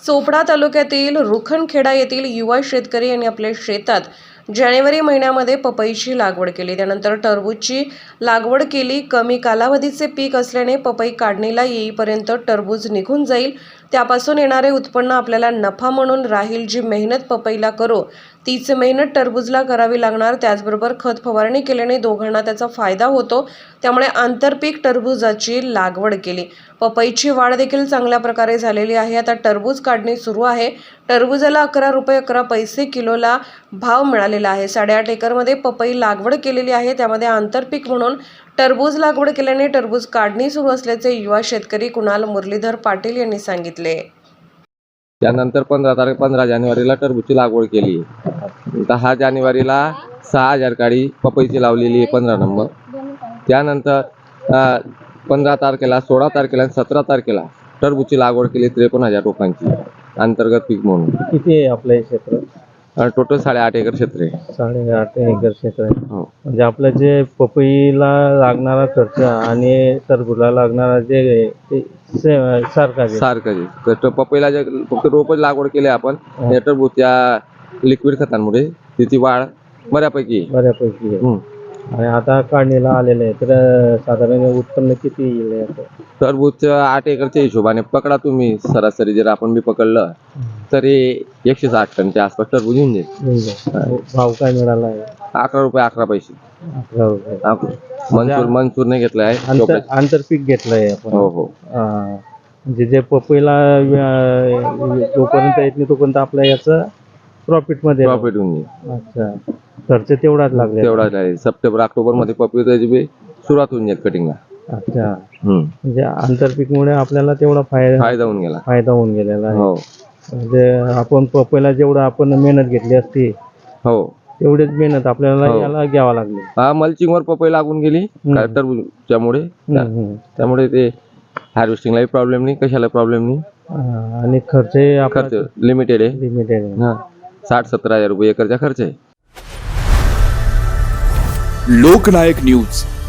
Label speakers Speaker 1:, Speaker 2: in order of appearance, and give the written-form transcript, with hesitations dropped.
Speaker 1: चोपडा तालुक्यातील रुखणखेडा येथील युवा शेतकरी यांनी आपल्या शेतात जानेवारी महिन्यामध्ये पपईची लागवड केली। त्यानंतर टरबूजची लागवड केली। कमी कालावधीचे पीक असल्याने पपई काढणीला येईपर्यंत टरबूज निघून जाईल। त्यापासून येणारे उत्पन्न आपल्याला नफा म्हणून राहील। जी मेहनत पपईला करू तीच मेहनत टरबूजला करावी लागणार। त्याचबरोबर खत फवारणी केल्याने दोघांना त्याचा फायदा होतो। त्यामुळे आंतरपीक टरबूजाची लागवड केली। पपईची वाढ देखील चांगल्या प्रकारे झालेली आहे। आता टरबूज काढणी सुरू आहे। टरबूजाला 11 रुपये 11 पैसे किलोला भाव मिळालेला आहे। 8.5 एकरमध्ये पपई लागवड केलेली आहे। त्यामध्ये आंतरपीक म्हणून टरबूज लागवड केल्याने टरबूज काढणी सुरू असल्याचे युवा शेतकरी कुणाल मुरलीधर पाटील यांनी सांगितले।
Speaker 2: त्यानंतर 15 जानेवारीला टरबूजची लागवड केली। 10 जानेवारीला 6000 काडी पपईची लावलेली आहे 15 नंबर। त्यानंतर 15 तारखेला 16 तारखेला 17 तारखेला टरबूजची लागवड केली 53,000 रोपांची अंतर्गत पीक म्हणून।
Speaker 3: किती आहे आपलं क्षेत्र?
Speaker 2: टोटल 8.5 एकर क्षेत्र आहे।
Speaker 3: 8.5 एकर क्षेत्र आहे।
Speaker 2: हो,
Speaker 3: म्हणजे आपलं जे पपईला लागणारा खर्च आणि टरबूजला लागणारा जे ते
Speaker 2: सारखं पपईला जे फक्त रोपच लागवड केली आपण। या टरबूजच्या लिक्विड खतांमुळे तिची वाढ बऱ्यापैकी
Speaker 3: आहे। आणि आता काढणीला आलेलं आहे तर साधारण उत्पन्न किती येईल याचं?
Speaker 2: टरबूजच्या 8 एकरच्या हिशोबाने पकडा तुम्ही सरासरी जर आपण बी पकडलं तरी 160 टनच्या आसपास टरबूज येऊन जाईल।
Speaker 3: भाव काय मिळाला आहे?
Speaker 2: 11 रुपये 11 पैसे।
Speaker 3: 11 रुपये
Speaker 2: मनसूर नाही घेतला आहे,
Speaker 3: आंतरपीक घेतलंय आपण।
Speaker 2: हो हो।
Speaker 3: म्हणजे जे पपईला जोपर्यंत येत नाही तोपर्यंत आपल्या याचं प्रॉफिट
Speaker 2: होऊन जाईल।
Speaker 3: अच्छा, खर्च तेवढाच लागला?
Speaker 2: सप्टेंबर ऑक्टोबर मध्ये पपईची बी सुरुवात होऊन जाईल कटिंगला।
Speaker 3: अच्छा, म्हणजे आंतरपीकमुळे आपल्याला तेवढा फायदा होऊन गेलेला आहे।
Speaker 2: हो,
Speaker 3: म्हणजे आपण पपईला जेवढं आपण मेहनत घेतली असती
Speaker 2: हो
Speaker 3: तेवढीच मेहनत आपल्याला याला घ्यावा लागली।
Speaker 2: मल्चिंगवर पपई लागून गेली टरबूजच्यामुळे, त्यामुळे ते हार्वेस्टिंगलाही प्रॉब्लेम नाही, कशाला प्रॉब्लेम नाही।
Speaker 3: आणि खर्च
Speaker 2: लिमिटेड आहे। 60-70 हजार रुपये एकरचा खर्च आहे।
Speaker 4: लोकनायक न्यूज।